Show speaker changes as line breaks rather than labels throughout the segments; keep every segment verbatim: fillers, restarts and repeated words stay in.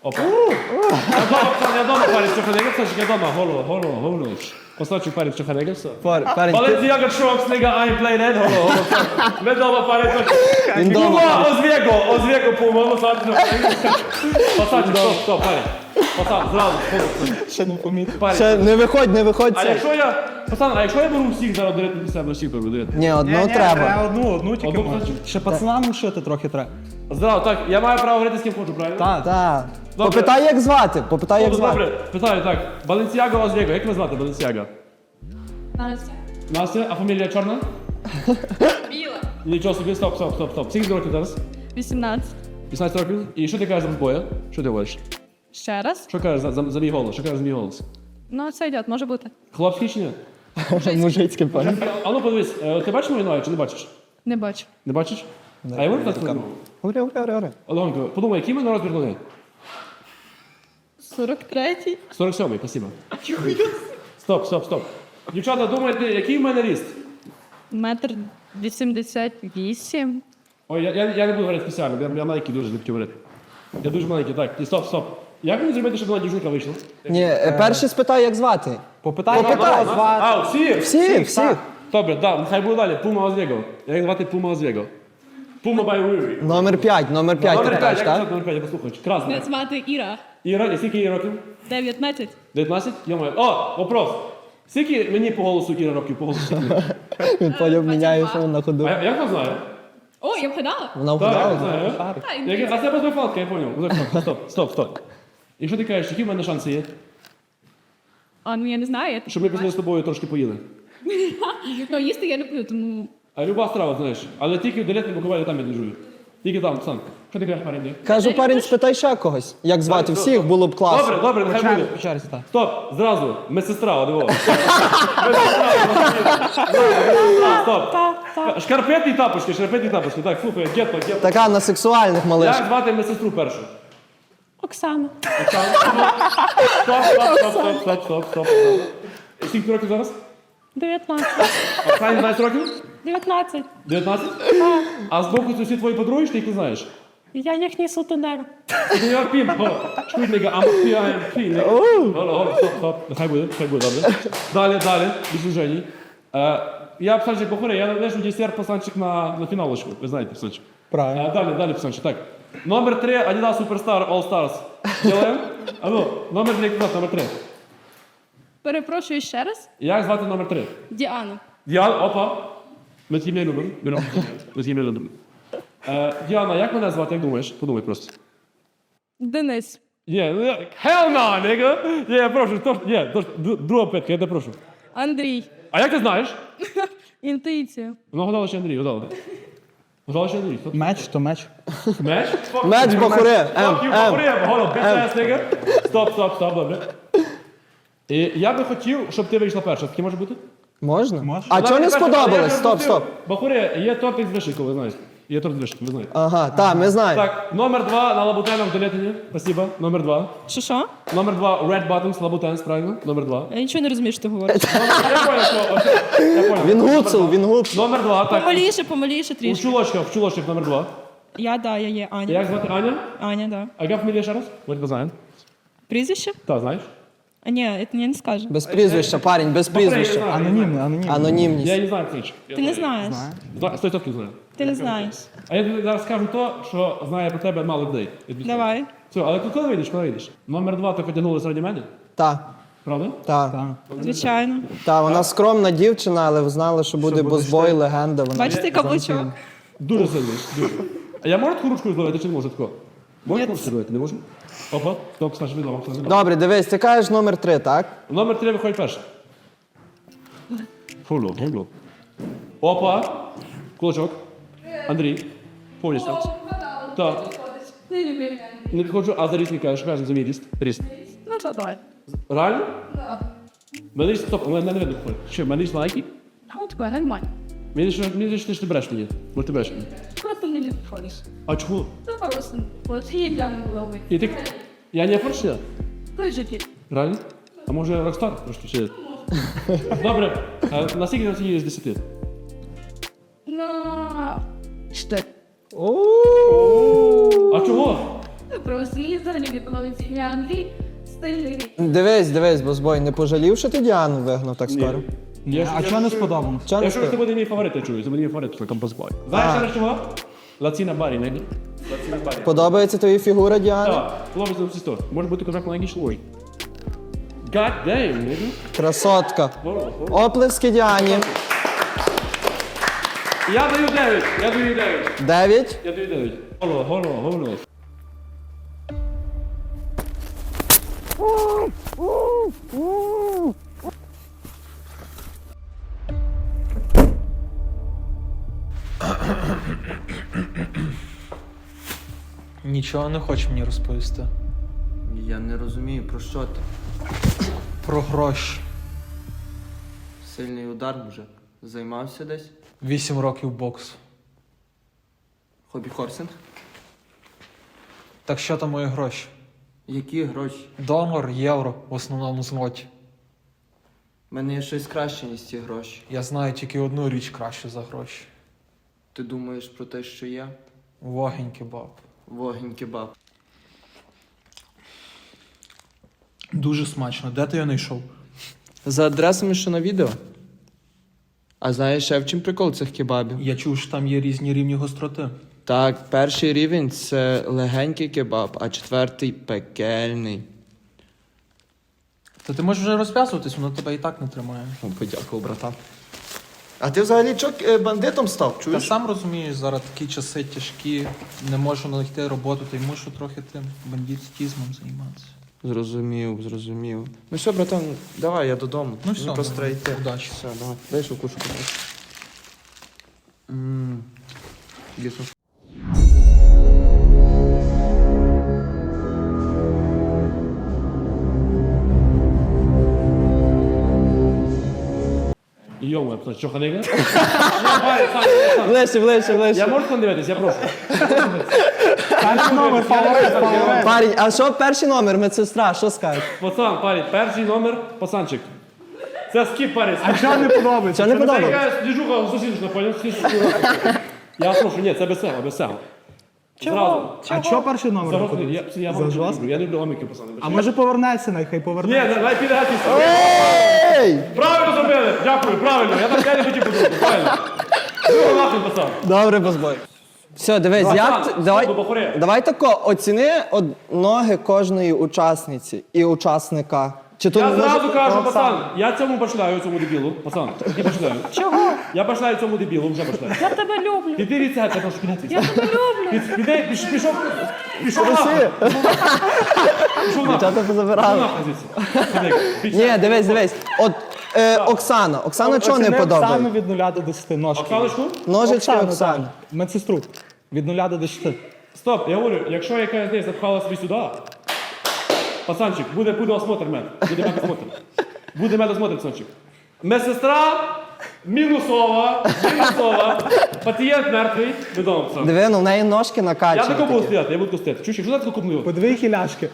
Опа. Я дома, пацан, я дома парень чоханега, Сашик, я дома. Голо, голо, голо. Поставчу парень чоханега, все.
Пар- Парень, ти-
Balenciaga Trunks, nigga, I ain't playing that. Голо, голо. Ми дома парень
Він дома.
Пума, Озвего, Озвего, Пума, Пасач. Пасач, стоп, стоп, парень. Пацан, зразу, голо.
Ще не помітив.
Парень.
Ще не виходь, не виходь.
А
це.
якщо я, пацан, а якщо я беру всіх зараз директно до себе, всіх беру директно?
Ні, одну треба.
Одну, одну тільки
Одну
можна.
хочу.
Ще пацанам шити трохи треба.
Зразу, так, я маю право говорити з ким хочу, правильно?
Так.
Так.
Добре.
Попитай, як звати. Попитай, як
Добре,
звати.
добре, питаю, так. Balenciaga, Озвего, як ви звати Balenciaga?
Настя.
Настя, а фамілія чорна?
Біла.
Нічого собі, стоп, стоп, стоп, стоп. Скільки років зараз?
вісімнадцять.
вісімнадцять років? І що ти кажеш за боя? Що ти говориш?
Ще раз.
Що кажеш за, за, за мій голос? Що кажеш за мій голос?
Ну, це йде, може бути.
Хлопський чи ні?
Мужицький парень.
А ну подивись, е, ти бачиш мою ногу чи не бачиш?
Не бачу.
Не бачиш? А я можу так сказати?
Говори, говори, говори, говори.
Олегонько, подумай, який в мене розмір ноги?
сорок третій.
сорок сьомий, спасибо. Стоп, стоп, стоп. Дівчата, думаєте, який в мене ріст?
Метр вісімдесят вісім.
Ой, я, я, я не буду говорити спеціально, я, я маленький дуже, не хотів говорити. Я дуже маленький, так. І стоп, стоп. Як мені зробити, щоб вона дівчинка вийшла?
Ні, е, перше спитай, як звати.
Попитай,
Попитай.
А, всіх?
Всіх, всіх.
Добре, да, нехай буде далі. Пума Озвего. Як звати Пума Озвего? Пума by Riri.
Номер п'ять, номер п'ять ти
Номер
питаєш,
п'ять, як
так?
номер п'ять, я послухаю. Красна.
Мене звати Іра.
Іра, і скільки їй років?
дев'ятнадцять.
дев'ятнадцять? Йо-моє. О, вопрос. Скільки мені по голосу Іра років, по голосу?
Він потім міняє фон на ходу.
А я- як вона знає?
О, я вгадала.
Вона
Так, як
вгадала.
вона знає?
Та,
Як-
інтуїція.
А це без вифалки, я поняв. Стоп, стоп, стоп. І що ти кажеш, які в мене шанси є?
А, ну я не знаю.
Щоб ми пішли з тобою трошки поїли.
Ну, їсти я люблю, тому...
А люба страва, знаєш. Але тільки в Долетному Буковелі там я не жую. Тільки там, пацан. Що ти кажеш, парень?
Кажу, парень, спитай ще когось. Як звати всіх, було б класно.
Добре, добре, нехай буде.
По черзі, так.
Стоп, зразу, медсестра, одиво. Медсестра, стоп. Шкарпетні тапочки, шкарпетні тапочки. Так, слухай, гетто, гетто.
Така на сексуальних малиш.
Як звати медсестру першу?
Оксана.
Стоп, стоп, стоп, стоп, стоп, стоп, стоп. І скільки років зараз?
дев'ятнадцять.
Оксані двадцять років?
дев'ятнадцять.
дев'ятнадцять? А з боку це всі твої подруги, чи ти їх не знаєш?
Я їхній сутенер.
Ти не пім, го. Швидника, а ми піаємо, пі. Голо, голо, стоп, стоп. Нехай буде, нехай буде, добре. Далі, далі, без ужені. Е, Я псанчик похорей, я лежу десерт пацанчик на, на фіналочку, ви знаєте, пацанчик.
Правильно.
Е, Далі, далі, пацанчик, так. Номер три, Adidas Superstar All Stars. Делаємо? А ну, номер три, номер три.
Перепрошую ще раз.
Як звати номер три?
Діана.
Діана, опа. Ми з не любимо. Ми Ми з не любимо. Е, Діана, як мене звати, як думаєш? Подумай просто.
Денис.
Ні, ну, я- hell no, nigga! Ні, я прошу, то, ні, то, ж д- друга питка, я тебе прошу.
Андрій.
А як ти знаєш?
Інтуїція.
Ну, гадала ще Андрій, гадала. Гадала ще Андрій. Хто?
Меч то меч.
Меч?
Меч бахуре. М,
Fuck you,
М.
бахуре, голо, bitch-ass, nigga. Стоп, стоп, стоп, добре. І я би хотів, щоб ти вийшла перша. Таке може бути?
Можна?
Можна.
А чого не сподобалось? Стоп, стоп.
Бахуре, є тортик з вишенькою, ви знаєте. Є торт з вишенькою, ви знаєте.
Ага, так, ми знаємо.
Так, номер два на Лабутенах в Долетині. Спасибо. Номер два.
Що що?
Номер два Red Bottoms Лабутенс, правильно? Номер два.
Я нічого не розумію, що ти говориш.
Я понял, що... ось- Я понял.
Він гуцул, він гуцул.
Номер два, так.
Помаліше, помаліше
У
трішки.
чулочках, в чулочках номер два.
Я, да, я є Аня.
Як звати Аня?
Аня, да.
А яка фамілія ще раз? Ми тебе знаємо.
Прізвище?
Так, знаєш?
А ні, це я не скажу.
Без прізвища, парень, без прізвища.
Анонімний, анонімний.
Я
Анонімність.
її знаю, Ксенч.
Ти не знаєш.
Сто відсотків знаю.
Ти не знаєш.
А я тобі зараз скажу то, що знає про тебе мало людей. Я тобі скажу.
Давай.
Все, але ти коли вийдеш, коли вийдеш? Номер два, ти потягнулася раді мене?
Так,
Правда?
так.
Так.
Звичайно.
Так, вона скромна дівчина, але знала, що буде бозбой, легенда. Вона...
Бачите каблучок?
Дуже сильний, дуже. А я можу таку ручку зловити чи не можу тако? Можеш
Ні.
ручку зловити, не можу? Опа, стоп, Саша, відомо, Саша, відомо.
Добре, дивись, ти кажеш номер три, так?
Номер три виходить перший. Фуло, фуло. Опа, кулачок. Андрій. Повністю. Так. Не підходжу, а за ріст не кажеш, кажеш за мій ріст. Ріст.
Ну, то давай.
Реально? Так. Мене ріст, стоп, мене не видно. Що, мене ріст маленький?
Ну, таке, нормально.
Мені що, мені що ти ж не береш мені. Може ти береш мені.
Просто не підходиш.
А чому?
Ну, просто. От є для голови.
І ти... Я не поршня?
Той же ти.
Реально? А може Рокстар трошки чи? Добре, а наскільки на ціні з десяти?
Ну, що?
А чого?
Про свій взагалі відповідь. Я Андрій, стильний.
Дивись, дивись, бозбой, не пожалів, що ти Діану вигнав так скоро?
Я ж-
А
я
чого не
ж-
сподобано?
Чого не
Я що це
скоро?
буде мій фаворит, я чую, це буде мій фаворит, це композбой. Знаєш, що чого? Лаціна барі, не? Лаціна барі.
Подобається тобі фігура Діани?
Так, хлопець на сестру. Може бути козак маленький шлой. God damn, nigga.
Красотка.
Hold on.
Оплески Діані.
Я даю дев'ять, я даю дев'ять.
Дев'ять.
Я даю дев'ять. Голо, голо, голо.
Нічого не хоче мені розповісти.
Я не розумію, про що ти?
Про гроші.
Сильний удар вже. Займався десь?
Вісім років боксу.
Хобі-хорсинг?
Так що там мої гроші?
Які гроші?
Долар, євро, в основному злоті.
У мене є щось краще, ніж ці гроші.
Я знаю тільки одну річ краще за гроші.
Ти думаєш про те, що я?
Вогінь кебаб.
Вогінь кебаб.
Дуже смачно. Де ти його знайшов?
За адресами, що на відео? А знаєш, ще в чим прикол цих кебабів?
Я чув, що там є різні рівні гостроти.
Так, перший рівень це легенький кебаб, а четвертий пекельний.
Та ти можеш вже розв'язуватись, воно тебе і так не тримає.
О, подякував, братан. А ти взагалі чок е, бандитом став,
Та
чуєш?
сам розумієш, зараз такі часи тяжкі, не можу знайти роботу, та й мушу трохи тим бандитизмом займатися.
Зрозумів, зрозумів. Ну все, братан, давай, я додому.
Ну все,
просто
давай,
йти.
удачі.
Все, давай. Дай шукушку. Ммм. Дійсно.
Йома, це що ханега?
Ближче, ближче,
Я
ближче.
можу там дивитись, я прошу.
Перший номер, фаворит, фаворит.
Парень, а що перший номер, медсестра, що скажеш?
Пацан, парень, перший номер, пацанчик. Це скіп, парень.
А що не подобається?
Що не
Це
подобається?
якась діжуха сусідочна, поняв? Я прошу, ні, це без цього, без цього. Зразу.
А чого перший номер?
За
не
розкид. Я,
подобається?
я,
За
вам не
жорстко?
люблю, я не люблю гоміки, пацани.
А може повернеться, нехай
Ні,
повернеться.
не, піде гатись.
Ей!
Правильно зробили, дякую, правильно. Я так я не хотів подумати, правильно. Ну, нахуй, пацан.
Добре, бозбой. Все, дивись,
Братан,
як ти- давай,
стоп, бахуре.
давай тако, оціни от ноги кожної учасниці і учасника. Чи то
Я
не може-
зразу кажу,
Ну,
пацан, я цьому башляю, цьому дебілу. Пацан, я башляю.
Чого?
Я башляю цьому дебілу, вже башляю.
Я тебе люблю.
Піди від цього, тому що піди.
Я тебе люблю.
Під- Піди, піш- пішов, пішов нахуй. Пішов нахуй.
Дівчата позабирали.
Пішов нахуй звідси. Ходи, більше.
Ні, дивись, дивись. От е, Оксана. Оксана чого не
Оціни Оксану
подобається?
від нуля до десяти ножки.
Оксаночку?
Ножички
Оксану,
Оксани.
так. Медсестру. Від нуля до десяти.
Стоп, я говорю, якщо якась з них запхала собі сюди, пацанчик, буде, буде осмотр мед. Буде медосмотр. Буде медосмотр, пацанчик. Медсестра мінусова, мінусова. Пацієнт мертвий, відомо, пацан.
Диви, ну в неї ножки
Я
накачані.
тако буду
такі.
стояти, я буду тако стояти. Чуєш, що ти тако купнув?
По дві хіляшки.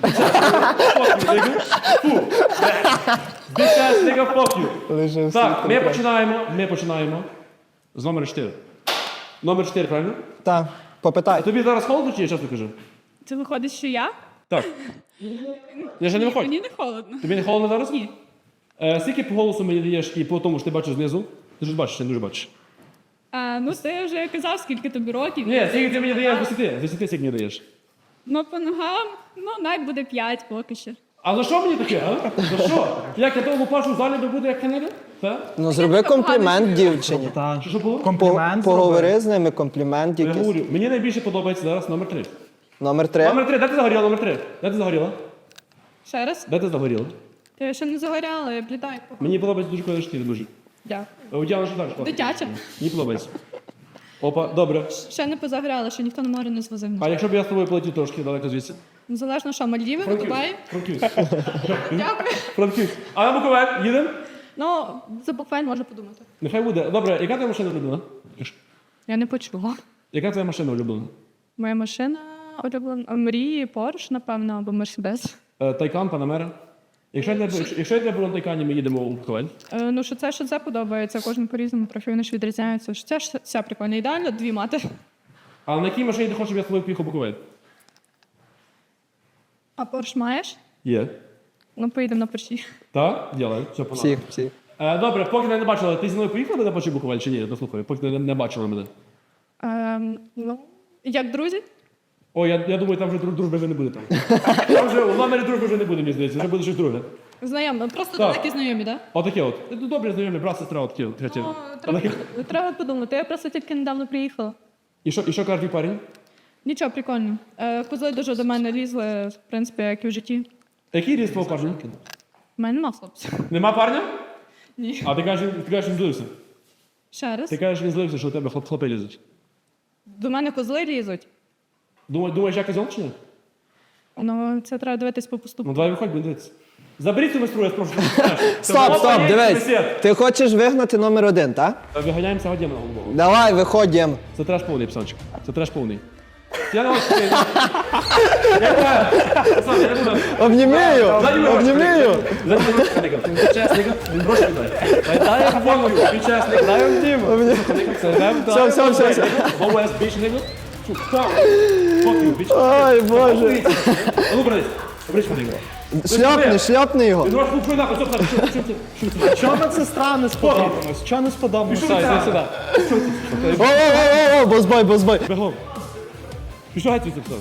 Фу. Bitch ass nigga, fuck you.
Лише
Так,
всі
ми
три.
починаємо, ми починаємо з номера чотири. Номер чотири, правильно?
Так, попитай.
Тобі зараз холодно чи я чесно кажу?
Це виходить, що я?
Так. Я ще не виходь.
Мені не холодно.
Тобі не холодно зараз?
Ні.
Е, скільки по голосу мені даєш і по тому, що ти бачиш знизу? Ти ж бачиш, ти не дуже бачиш.
А, ну, ти вже казав, скільки тобі років.
Ні, скільки ти мені даєш з десяти? З десяти скільки мені даєш?
Ну, по ногам, ну, навіть буде п'ять поки що.
А за що мені таке, а? За що? Як я того першу залі би буде як канега? Так?
Ну зроби комплімент дівчині.
Так.
Що було?
По-
Комплімент.
Поговори з ними, комплімент
Я
якийсь.
говорю, мені найбільше подобається зараз номер три.
Номер три.
Номер три, де ти загоріла, номер три? Де ти загоріла?
Ще раз.
Де ти загоріла?
Ти ще не загоряла, я блідай.
Мені подобається дуже коли чотири, дуже.
Дякую.
А у Діани що так? класно?
Дитяча.
Мені подобається. Опа, добре.
Ще не позагоряла, ще ніхто на море не звозив.
А якщо б я з тобою полетів трошки далеко звідси?
Незалежно, що Мальдіви, Дубай.
Франківськ.
Дякую.
Франківськ. А на Буковель їдемо?
Ну, за буквально можна подумати.
Нехай буде. Добре, яка твоя машина улюблена?
Я не почула.
Яка твоя машина улюблена?
Моя машина улюблена. Мрії, Порш, напевно, або Мерседес.
Е, Тайкан, Панамера. Якщо я тебе, якщо я тебе беру на Тайкані, ми їдемо у Буковель.
Е, ну, що це, що це подобається, кожен по-різному, трохи вони ж відрізняються. Що це ж вся прикольна. Ідеально, дві мати.
А на якій машині ти хочеш, щоб я з тобою поїхав у Буковель?
А Порш маєш?
Є.
Ну, поїдемо на Порші.
Так? Ділай. Все, погнали.
Всіх, всіх.
Е, добре, поки мене не бачила, ти зі мною поїхала мене бачив Буковель чи ні? Дослухай, поки не, не бачила мене.
Ем, ну, як друзі?
О, я, я думаю, там вже друг, дружби вже не буде там. Там вже у номері дружби вже не буде, мені здається, вже буде щось друге.
Знайомі, ну, просто
Так.
такі знайомі, так?
Отаке от. Ну, добре, знайомі, брат, сестра, отаке от. Третє.
Ну, треба, треба подумати. Я просто тільки недавно приїхала.
І що, і що каже твій парень?
Нічого, прикольно. Е, козли дуже до мене лізли, в принципі, як і в житті.
Який ріст твого парня?
У мене нема хлопців.
Нема парня?
Ні.
А ти кажеш, ти кажеш, він злився.
Ще раз.
Ти кажеш, він злився, що у тебе хлоп, хлопи лізуть.
До мене козли лізуть.
Думаєш, думаєш, я козел чи ні?
Ну, це треба дивитись по поступку.
Ну давай виходь, будемо дивитися. Заберіть цю майстру, я спрошу.
Стоп, стоп, дивись. Ти хочеш вигнати номер один, так?
Виганяємося годину на голову.
Давай, виходимо.
Це треш повний, псанчик. Це треш повний. Я не можу сказати. Я знаю. Пацан, я не буду.
Обнімію, обнімію.
Учасник, він гроші віддай. Дай я фоную, учасник, дай обніму.
Все, все, все, все.
Бовес, біч, не гу. Фокію, біч.
Ой, Боже.
А ну, брались. Брич мене його.
Шляпни, шляпни його.
Він гроші купує нахуй, стоп, стоп, що, що, що, що,
Чого медсестра не сподобалась? Чого не сподобалась?
Пішов
Іди
сюди.
О, о, о, о, бозбой, бозбой.
Бегом. Пішов геть звідси, псан.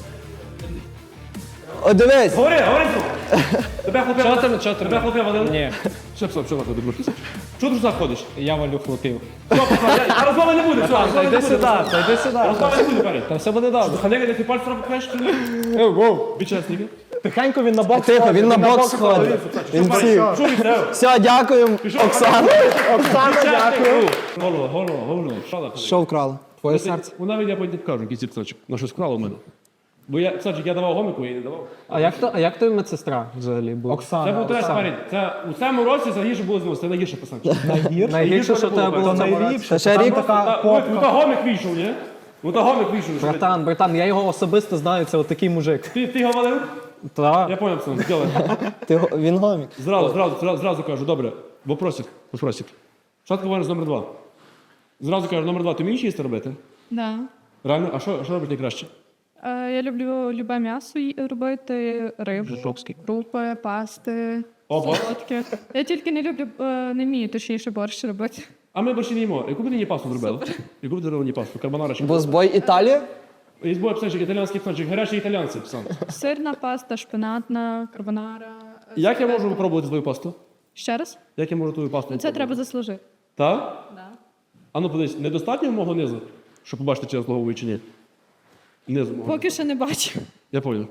О, дивись.
Говори, говори, псан. Тебе хлопи,
Чого ти- чого ти-
тебе хлопи валили?
Ні,
Що, псан, що нахуй, добро? Чого ти ж заходиш?
я валю хлопів.
Все, пацан, я- а розмови не буде, все,
Та
розмови не
йди
буде.
сюди,
пацан.
та йди сюди.
Розмови не буде, парень.
Та все буде добре.
Ханега, де ти пальці пхаєш, чи ні? Бічасники.
Тихенько він на бокс.
Тихо,
ходить,
він на бокс ходить. Він всі.
Що він це?
Все, дякуємо, Оксана.
Оксана, дякую.
Голова, голова, голова. Шала,
Що вкрала? Твоє серце?
Вона мені, я потім покажу, якийсь псачок. На щось вкрала в мене. Бо я, псачок, я давав гомику, я не давав.
А як то, а як то медсестра взагалі була?
Це
Оксана.
був треш, парень. Це у цьому році це гірше було з ним, це найгірше писанчик.
Найгірше, що в тебе було в цьому році.
Та ще рік.
Ну та гомик вийшов, ні? Ну та гомик вийшов. що ти-
Братан, братан, я його особисто знаю, це отакий мужик.
Ти, ти його валив?
Та.
Я понял, пацан, сделай.
Ти го- Він гомік.
Зразу, зразу, зразу, зразу кажу, добре. Вопросик, вопросик. Спочатку говориш номер два. Зразу кажу, номер два, ти вмієш їсти робити?
Да.
Реально? А що, що робиш найкраще?
Е, я люблю любе м'ясо ї- робити, рибу, крупи, пасти,
Опа.
солодке. Я тільки не люблю, е, не вмію точніше борщ робити.
А ми більше не їмо. Яку б ти мені пасту зробила? Яку б ти робила мені пасту? Карбонара чи?
Бозбой Італія?
Є збой псанчик, італійський псанчик, гарячі італійці, псан.
Сирна паста, шпинатна, карбонара. е,
Як я
спагетті.
можу попробувати твою пасту?
Ще раз?
Як я можу твою пасту?
Це треба заслужити.
Так?
Да.
А ну подивись, недостатньо мого низу, щоб побачити, чи я заслуговую чи ні? Низу мого.
Поки що не бачу.
Я понял.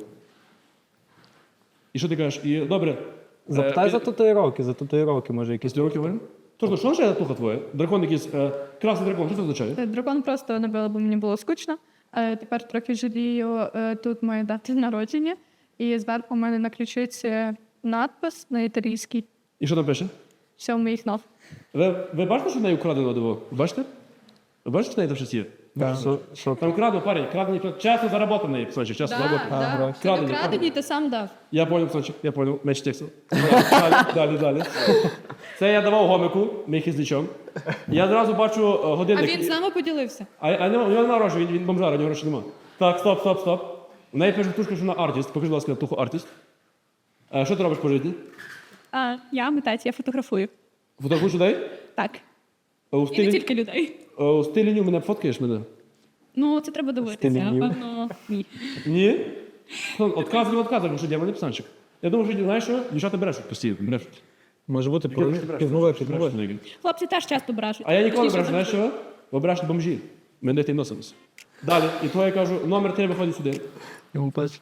І що ти кажеш? І добре.
Запитай
е,
за татуїровки, за татуїровки, може якісь.
Після років говоримо? Тож, ну що ж я туха твоя? Дракон якийсь, е, красний дракон, що це означає?
Е, Дракон просто набила, бо мені було скучно. Е, Тепер трохи жалію, е, тут моя дата народження. І зверху у мене на ключиці надпис на італійській.
І що там пише?
Все в моїх нов.
Ви, ви бачите, що в неї украдено диво? Бачите? Ви бачите, що в неї там щось є?
Що, що?
Там крадено, парень, крадені, чесно заработаний, псанчик, чесно заработаний.
Це
Крадені,
не крадені, ти сам дав.
Я понял, псанчик, я понял, менше тексту. Далі, далі, далі. Це я давав гомику, мій хизничом. Я одразу бачу е,
А
годинник.
він з нами поділився.
А, а нема, у нього нема грошей, він, він бомжар, у нього грошей нема. Так, стоп, стоп, стоп. У неї пише тушка, що вона артист. Покажи, будь ласка, туху артист. А, що ти робиш по житті?
А, я митець, я фотографую.
Фотографуєш людей?
Так.
А у
І не
стилі,
тільки людей.
а у стилі ню мене фоткаєш мене?
Ну, це треба дивитися,
Стилінів.
напевно, ні.
Ні? Отказуй, не отказуй, тому що дьявольний псанчик. Я думаю, що, знаєш що, дівчата брешуть постійно, брешуть.
Може бути
Брешуть,
півнове,
брешуть,
півнове.
брешуть.
Хлопці теж часто брешуть.
А я ніколи не
Точніше,
брешу, знаєш що? Бо брешуть бомжі. Ми не тим носимось. Далі, і то я кажу, номер три виходить сюди.
Йому пальчик.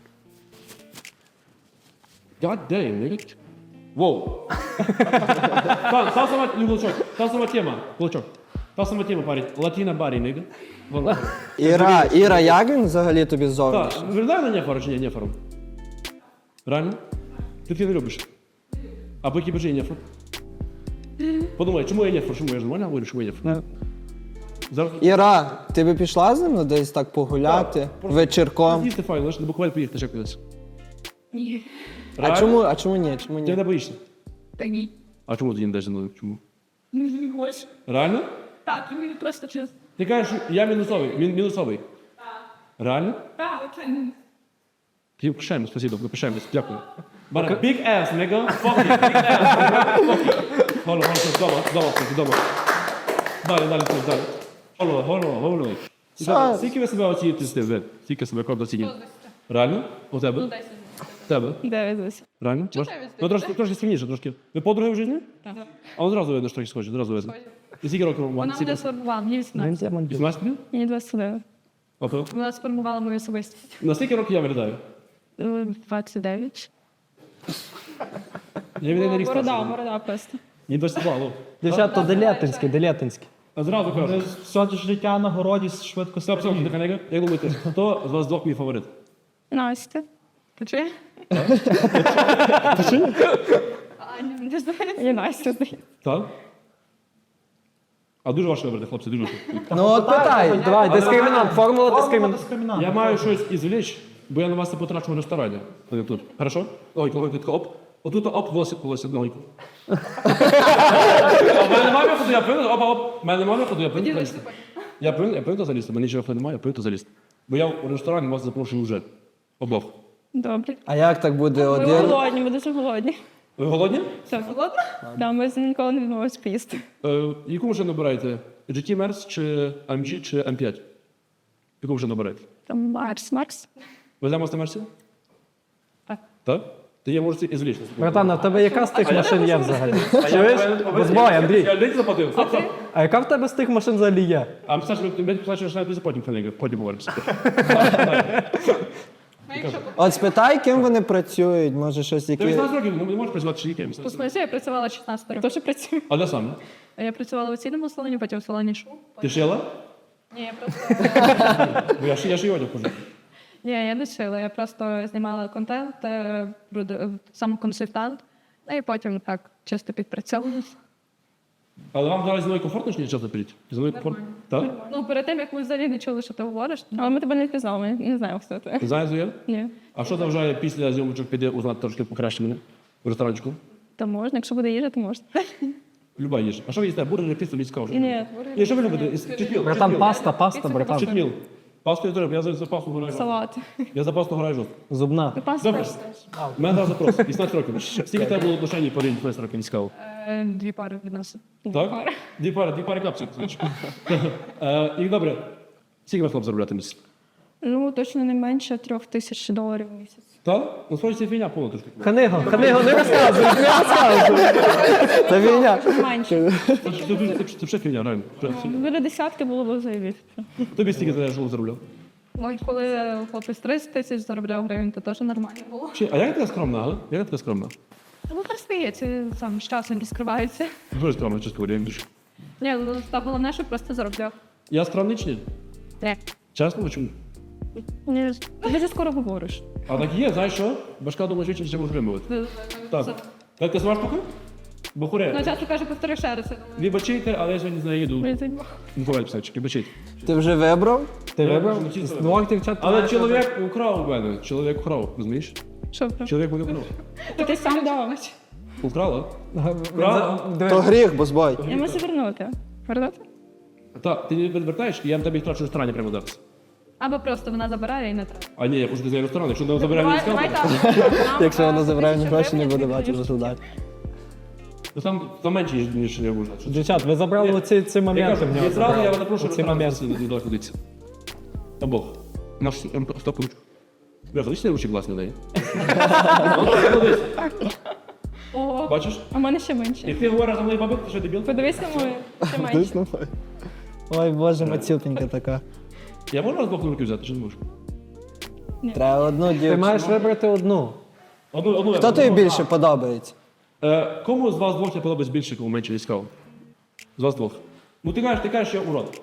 God damn, nigga. Воу. Та, та сама, ну, кулачок, та сама тема, кулачок. Та сама тема, парень. Латина барі, nigga. Вон.
Іра, Іра, як він взагалі тобі ззовні?
Так, виглядає на нефару чи ні, нефаром? Реально? Ти таки не любиш? А по якій причині нефар? Подумай, чому я нефар? Чому я ж нормально говорю, чому я нефар? Зараз...
Іра, ти би пішла з ним ну, десь так погуляти
Так, просто-
вечірком?
З'їсти файно, знаєш, на буквально поїхати ще кудись.
Ні.
А чому, а чому ні? Чому
Ти
ні?
не боїшся?
Та ні.
А чому ти не йдеш зі мною? Чому?
Не хочу.
Реально?
Так, мені просто чесно.
Ти кажеш, що я мінусовий. Мін, мінусовий. Реально?
Так, це не-
Ти пишаємо, спасибо, ви пишаємо, дякую. Бара, big ass, nigga, fuck it, big ass, nigga, fuck it. Голо, голо, вдома, вдома, вдома. Далі, далі, далі. Голо, голо, голо.
Все.
Скільки ви себе оцінюєте з тим, Скільки себе круто оцінюєте? Реально? У тебе?
Ну, десять.
У тебе?
Дев'ять.
Реально?
Чого
Може?
дев'ять?
Ну, трошки, трошки сильніше, трошки. Ви подруги в житті?
Так.
А одразу видно, що трохи схожі, одразу видно. І скільки років вам?
Вона
Скільки?
мене сформувала, мені вісімнадцять.
вісімнадцять років?
Мені двадцять один.
Опа.
Вона сформувала мою особистість.
На скільки років я виглядаю?
Е, двадцять дев'ять.
Я від на рік
Борода,
старший.
борода просто.
Мені двадцять два, алло.
Дівчата, делятинські, делятинські.
А зразу кажу.
Все життя на городі швидко
Стоп, стоп, нехай, нехай. Як думаєте, хто з вас двох мій фаворит?
Настя. Ти чи? Аня, не знаю. І Настя, здається.
Так? А дуже важко вибрати, хлопці, дуже важко.
Ну от питай.
Давай, дискримінант, формула дискримінант.
Я маю щось ізвлечь, бо я на вас не потрачу в ресторані. Ось тут. Хорошо? Ой, коли тут оп. Отут оп, волосся, волосся, ногойку. А в мене немає виходу, я повинен, оп, оп. В мене немає виходу, я повинен залізти. Я повинен, я повинен залізти, в мене нічого немає, я повинен залізти. Бо я у ресторані вас запрошую вже. Обох.
Добре.
А як так буде
Ми
один?
голодні, ми дуже голодні.
Ви голодні?
Все, голодна? Да, ми з- ніколи не відмовилися поїсти.
Е, яку машину обираєте? джі ті Мерс чи ем джі чи ем п'ять? Яку машину обираєте?
Там Марс, Марс.
Веземо з на Мерсі?
Так.
Так? Ти є, можете і звлічити.
Братан, а в тебе яка з тих машин є взагалі? Чуєш? Безбой, Андрій.
Я день заплатив. Стоп, стоп.
А яка в тебе з тих машин взагалі є?
А Саша, ви мені плачеш навіть потім, Фенега, потім говоримося.
От спитай, ким вони працюють, може щось
Ти
які.
вісімнадцять років, ну, не можеш працювати ще якимось.
У смислі, я працювала шістнадцять років. Теж працюю.
А де саме?
Я працювала у цільному салоні, потім в салоні шоу.
Ти шила?
Ні, я просто...
Бо я ще я ще й одяг хожу.
Ні, я не шила, я просто знімала контент, е, проду- сам консультант, ну і потім так чисто підпрацьовувала.
Але вам зараз зі мною комфортно чи ні часто пиліть? Зі мною комфортно? Так?
Ну, перед тим, як ми взагалі не чули, що ти говориш, але ми тебе не впізнали, ми не знаємо, хто ти.
Ти знаєш, Зоя?
Ні.
А що заважає після зйомочок піде узнати трошки покраще мене? В ресторанчику?
Та можна, якщо буде їжа, то можна.
Люба їжа. А що ви їсте? Бургери, піцу, мені цікаво.
Ні,
Ні, що ви любите? Із- Читміл.
Братан,
читміл.
паста, паста, братан.
Читміл. Пасту я теж, я за за пасту граю.
салат.
Я за пасту граю жорстко.
Зубна.
Паста.
Добре. У мене зараз запрос. вісімнадцять років. Скільки тебе було отношень по вісімнадцять років, не цікаво?
Е, Дві пари від нас.
Так? Дві пари, дві пари капців. Е, І добре. Скільки ви хлоп заробляти місяць?
Ну, точно не менше трьох тисяч доларів в місяць.
Так? Ну, схоже, це фігня повна трошки.
Книга, книга, не розказуй, не розказуй.
Це війня.
Менше.
Це це- це- це вже фігня, реально.
Біля десятки було б заявити.
Тобі стільки за житло заробляв?
Ну, коли хлопець тридцять тисяч заробляв гривень, то теж нормально було.
Чи, а як ти така скромна, а? Як ти така скромна?
Ну, перестається, сам з часом розкривається.
Дуже скромна, чесно говоря, я більше.
Ні, ну, та головне, щоб просто заробляв.
Я скромний чи ні?
Не.
Чесно, ви чому?
Ні, ти дуже скоро говориш.
А так є, знаєш що? Башка думає, що ще може вимовити. Так. Так, ти сама штука? Бухуре.
Ну, часто каже, повтори ще раз. я думаю,
Вибачайте, але я сьогодні з нею їду.
«Блін, це ні».
Ну, буває, писачки, вибачайте.
Ти вже вибрав?
Ти
Я
вибрав?
вже чисто.
З двох дівчат.
Але чоловік украв у мене. Чоловік украв, розумієш?
Що про?
Чоловік мене украв.
То ти сам дав.
Украла?
Диви.
То гріх, бо збой.
Я можу вернути. Вернути?
Так, ти не відвертаєш, і я тобі втрачу в ресторані прямо зараз.
Або просто вона забирає і не треба.
А ні, я пошли за ресторан, якщо не забирає мені
Давай, давай
скалку,
так.
Якщо вона забирає
Нам,
гроші, не
тисячу
буде
гривень,
бачити
тобі
результат.
то там, там менше, ніж я можу.
Дівчат, ви забрали оці ці
Я
моменти
кажу,
в нього.
відразу я вас запрошую
Оці моменти.
не ходиться. Та Бог. Наш стоп ручку. Бля, подивись, ручки класні в неї. Молодець.
О,
Бачиш?
а в мене ще менше.
Як ти говориш за мною бабик, ти що дебіл?
Подивись на мою, ще менше.
Ой, боже, мацюпенька така.
Я можу вас двох руки взяти, чи не можу?
Треба одну
Ти
дівчину.
маєш вибрати одну.
Одну, одну,
Хто тобі більше подобається?
Е, кому з вас двох не подобається більше, кому менше цікаво? З вас двох. Ну ти кажеш, ти кажеш, що я урод.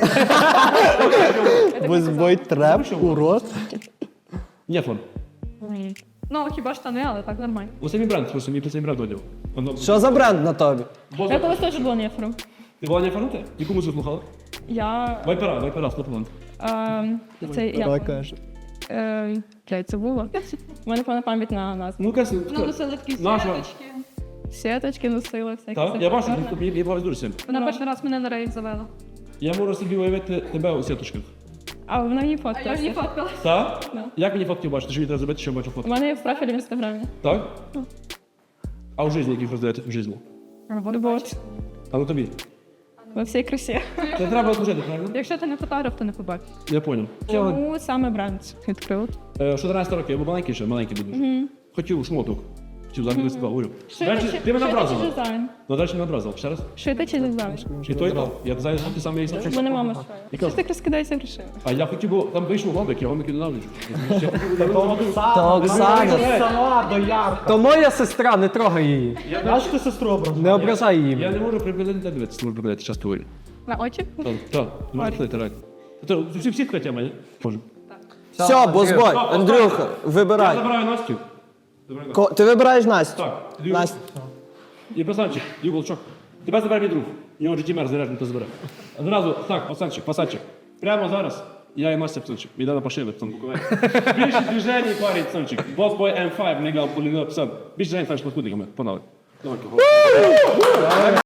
Бо збой треп, урод.
Ні, фон.
Ні. Ну, хіба ж штани, але так нормально.
У самі бренд, просто мій самі бренд одяг. Воно-
Що за бренд на тобі?
Бо-
Я колись теж була нефром.
Ти була не фанута? Яку музику слухала?
Я...
Вайпера, вайпера, сто процентів.
Ем, це
Давай
я...
каже.
Е, Блядь, це було. У мене повна пам'ять на назву.
Ну, якась...
Ну, носили такі
Наша.
сіточки. Сіточки носили, всякі.
Так, я бачу,
сепараторні.
мені мені дуже сильно.
Вона перший раз мене на рейв завела.
Я можу собі уявити тебе у сіточках.
А вона не фоткалася.
Я не фоткалась.
Так?
Да.
Як мені фотки бачити? Що мені треба зробити, щоб бачив
У
фотки?
мене є в профілі в інстаграмі.
Так? А в житті яких роздаєте в житті?
Вот.
А ну тобі.
Во всій красі.
Це треба служити, правильно?
Якщо ти не фотограф, то не побачиш.
Я понял.
Чому саме бренд відкрив?
Е, чотирнадцять років, я був маленький ще, маленький був. Хотів шмоток. Хотів зараз mm говорю. До речі, ти мене образила.
Шити чи дизайн?
Ну, далі мене образила. Ще раз.
Шити чи дизайн?
І то, і то. Я знаю, що ти сам є.
У мене мама шила.
Яка?
Що ти розкидаєшся грошима?
А я хотів, бо там вийшов гладик, я гомики ненавиджу.
То Оксана.
Сама до ярка. То моя сестра, не трогай її.
Аж ти сестру образив.
Не ображай її.
Я не можу припинити дивитися, не можу припинити, часто говорю.
На очі?
Так, так, не можу припинити, реально. То всі всі така тема, ні? Можу.
Все, бозбой, Андрюха,
Я
вибирай.
забираю Настю. Забираю Настю.
Ко- Ти вибираєш Настю?
Так, тоді
Настя.
І пацанчик, і волчок. Тебе забере мій друг. У нього житті заряджений, то забере. Одразу, так, пацанчик, пацанчик. Прямо зараз я і Настя пацанчик. Йде на пошили, пацан Буковель. Більше движень, парень, пацанчик. Босбой ем п'ять, нігав, полігав, пацан. Більше движень, пацан, шла худиками. Погнали. Давай,